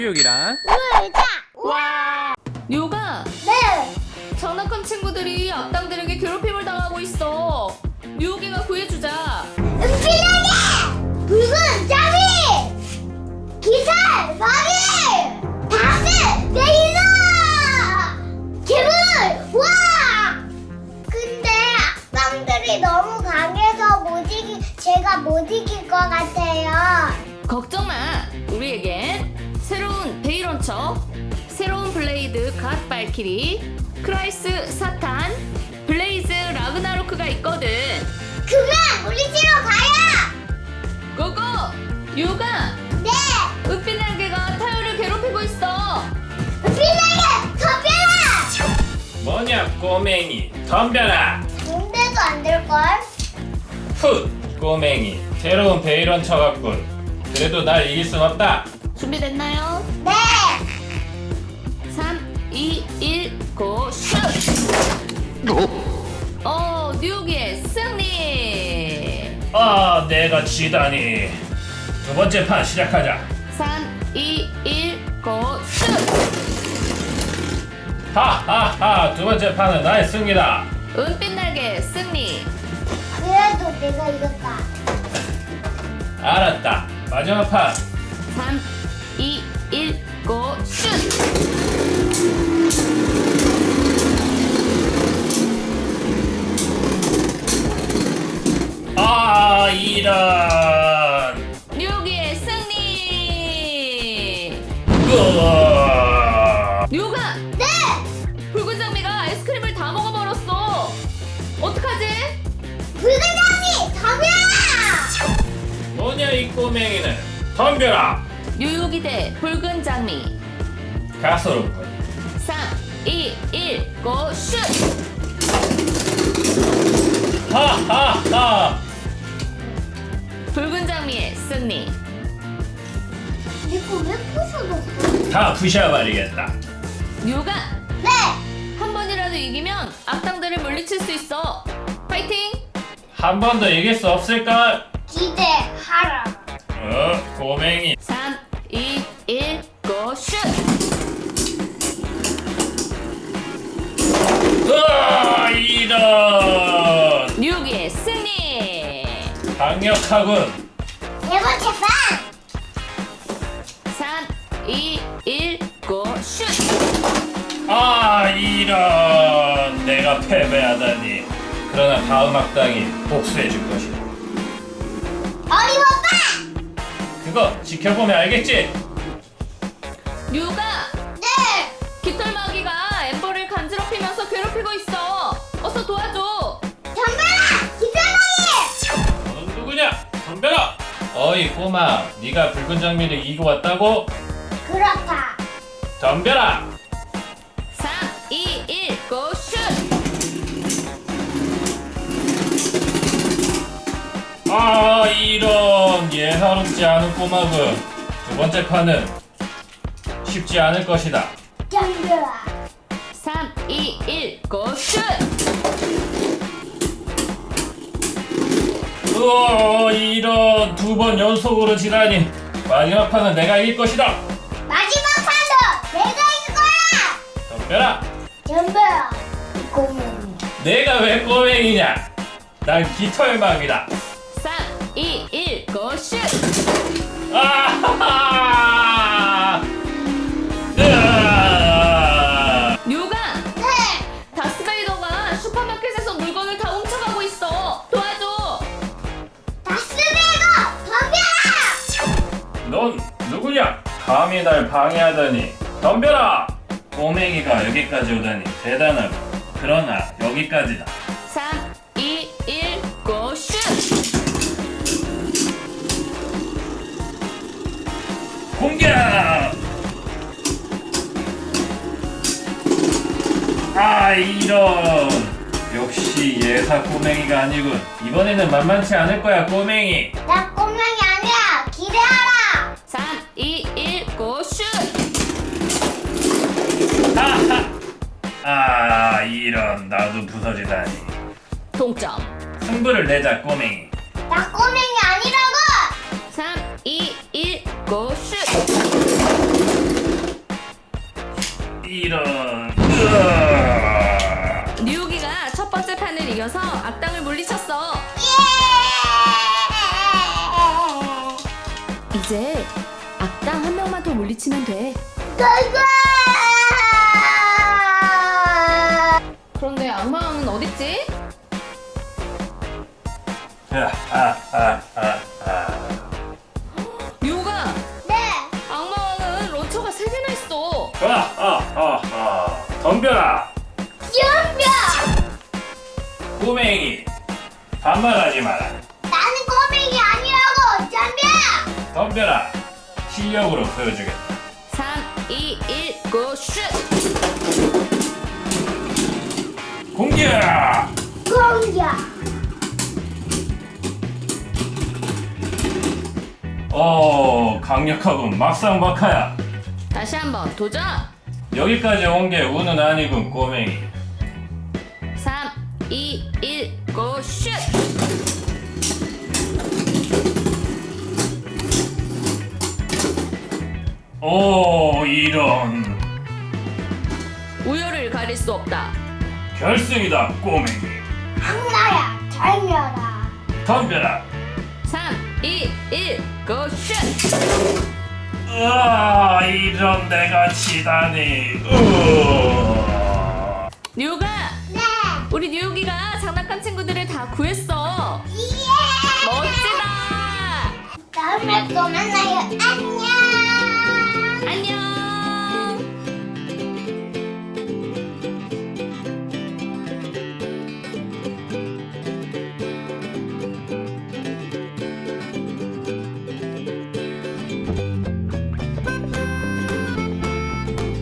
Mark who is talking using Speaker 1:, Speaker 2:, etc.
Speaker 1: 뉴욕이랑
Speaker 2: 놀자.
Speaker 3: 와! 뉴가
Speaker 2: 네.
Speaker 3: 장난감 친구들이 악당들에게 괴롭힘을 당하고 있어. 뉴욕이가 구해주자.
Speaker 2: 은필하게 붉은 짜리 기살 마리 다스 레이너 괴물 와. 근데 악당들이 너무 강해서 제가 못 이길 것 같아요.
Speaker 3: 걱정 마. 우리에겐 새로운 베이런처, 새로운 블레이드 갓 발키리, 크라이스 사탄, 블레이즈 라그나로크가 있거든.
Speaker 2: 그만 물리치러 가요.
Speaker 3: 고고! 뉴가
Speaker 2: 네.
Speaker 3: 은빛 날개가 타요를 괴롭히고 있어.
Speaker 2: 은필하게 덤벼라.
Speaker 1: 뭐냐 꼬맹이 덤벼라.
Speaker 2: 근데도 안 될걸?
Speaker 1: 훗 꼬맹이 새로운 베이런 쳐갔군. 그래도 날 이길 순 없다.
Speaker 3: 준비됐나요?
Speaker 2: 네.
Speaker 3: 3, 2, 1, 고, 슛! 뉴욕의 승리!
Speaker 1: 내가 지다니. 두 번째 판 시작하자.
Speaker 3: 3, 2, 1, 고, 슛!
Speaker 1: 하하하 두 번째 판은 나의 승리다.
Speaker 3: 은빛 날개 승리!
Speaker 2: 그래도 내가 이겼다.
Speaker 1: 알았다. 마지막 판.
Speaker 3: 3, 2, 1, 고, 슛!
Speaker 1: 이런.
Speaker 3: 뉴욕의 승리!
Speaker 1: 으아.
Speaker 3: 뉴욕아!
Speaker 2: 네.
Speaker 3: 붉은 장미가 아이스크림을 다 먹어버렸어! 어떡하지?
Speaker 2: 붉은 장미 덤벼라.
Speaker 1: 뭐냐 이 꼬맹이는. 덤벼라.
Speaker 3: 뉴욕이 대 붉은 장미.
Speaker 1: 가소롭군.
Speaker 3: 3, 2, 1, 고, 슛!
Speaker 1: 하하하.
Speaker 3: 붉은 장미의 승리.
Speaker 2: 이거 왜 부셔졌어?
Speaker 1: 다 부셔버리겠다.
Speaker 3: 뉴욕아!
Speaker 2: 네.
Speaker 3: 한 번이라도 이기면 악당들을 물리칠 수 있어. 파이팅!
Speaker 1: 한 번 더 이길 수 없을까?
Speaker 2: 기대하라.
Speaker 1: 꼬맹이.
Speaker 3: 3, 2, 1, 고, 슛!
Speaker 1: 이런.
Speaker 3: 뉴욕의 승리!
Speaker 1: 강력하군.
Speaker 2: 네 번째 판.
Speaker 3: 3, 2, 1, 고, 슛!
Speaker 1: 이런. 내가 패배하다니. 그러나 다음 악당이 복수해줄 것이다.
Speaker 2: 어림없다.
Speaker 1: 그거 지켜보면 알겠지?
Speaker 3: 뉴욕아!
Speaker 2: 네.
Speaker 3: 깃털마귀가 엠버를 간지럽히면서 괴롭히고 있어. 어서 도와줘.
Speaker 2: 덤벼라. 기사장이.
Speaker 1: 너는 누구냐? 덤벼라. 어이 꼬마, 네가 붉은 장미를 이기고 왔다고?
Speaker 2: 그렇다.
Speaker 1: 덤벼라.
Speaker 3: 3, 2, 1, 고, 슛!
Speaker 1: 이런. 예사롭지 않은 꼬마군. 두 번째 판은 쉽지 않을 것이다.
Speaker 2: 덤벼라.
Speaker 3: 3, 2, 1, 고, 슛!
Speaker 1: 이런. 두 번 연속으로 지다니. 마지막 판은 내가 이길 것이다.
Speaker 2: 마지막 판도 내가 이길 거야.
Speaker 1: 덤벼라.
Speaker 2: 덤벼라. 꼬맹이.
Speaker 1: 내가 왜 꼬맹이냐? 난 깃털맘이다.
Speaker 3: 3, 2, 1, 고, 슛!
Speaker 1: 아하하! 으아!
Speaker 3: 뉴가!
Speaker 2: 네.
Speaker 3: 다스베이더가 슈퍼마켓에서 물건을 다 훔쳐가고 있어. 도와줘.
Speaker 2: 다스베이거 덤벼라.
Speaker 1: 넌 누구냐? 감히 날 방해하다니. 덤벼라! 꼬맹이가 여기까지 오다니 대단하고. 그러나 여기까지다.
Speaker 3: 3, 2, 1, 고, 슛!
Speaker 1: 공격! 이런. 역시 예사 꼬맹이가 아니군. 이번에는 만만치 않을 거야 꼬맹이.
Speaker 2: 나 꼬맹이 아니야. 기대하라.
Speaker 3: 3, 2, 1, 고, 슛!
Speaker 1: 이런. 나도 부서지다니.
Speaker 3: 동점.
Speaker 1: 승부를 내자 꼬맹이.
Speaker 2: 나 꼬맹이 아니라고.
Speaker 3: 3, 2, 1, 고, 슛! 이겨서 악당을 물리쳤어.
Speaker 2: 예!
Speaker 3: 이제 악당 한 명만 더 물리치면 돼.
Speaker 2: 고고!
Speaker 3: 그런데 악마왕은 어딨지? 류가
Speaker 2: 네!
Speaker 3: 악마왕은 런처가 3개나 있어.
Speaker 1: 덤벼라.
Speaker 2: 준비!
Speaker 1: 꼬맹이 반말하지 마라.
Speaker 2: 나는 꼬맹이 아니라고! 준비!
Speaker 1: 덤벼라. 실력으로 보여주겠다.
Speaker 3: 3, 2, 1, 고 슛!
Speaker 1: 공격.
Speaker 2: 공격!
Speaker 1: 강력하군. 막상막하야.
Speaker 3: 다시 한번 도전!
Speaker 1: 여기까지 온 게 운은 아니군, 꼬맹이.
Speaker 3: 3, 2, 1, 고 슛!
Speaker 1: 이런.
Speaker 3: 우열을 가릴 수 없다.
Speaker 1: 결승이다, 꼬맹이.
Speaker 2: 악마야! 절멸아!
Speaker 1: 덤벼라.
Speaker 3: 3, 2, 1, 고 슛!
Speaker 1: 이런 내가 지다니.
Speaker 3: 뉴가!
Speaker 2: 네!
Speaker 3: 우리 뉴기가 장난감 친구들을 다 구했어.
Speaker 2: 예!
Speaker 3: 멋지다!
Speaker 2: 다음에 또 만나요. 안녕!
Speaker 3: 안녕!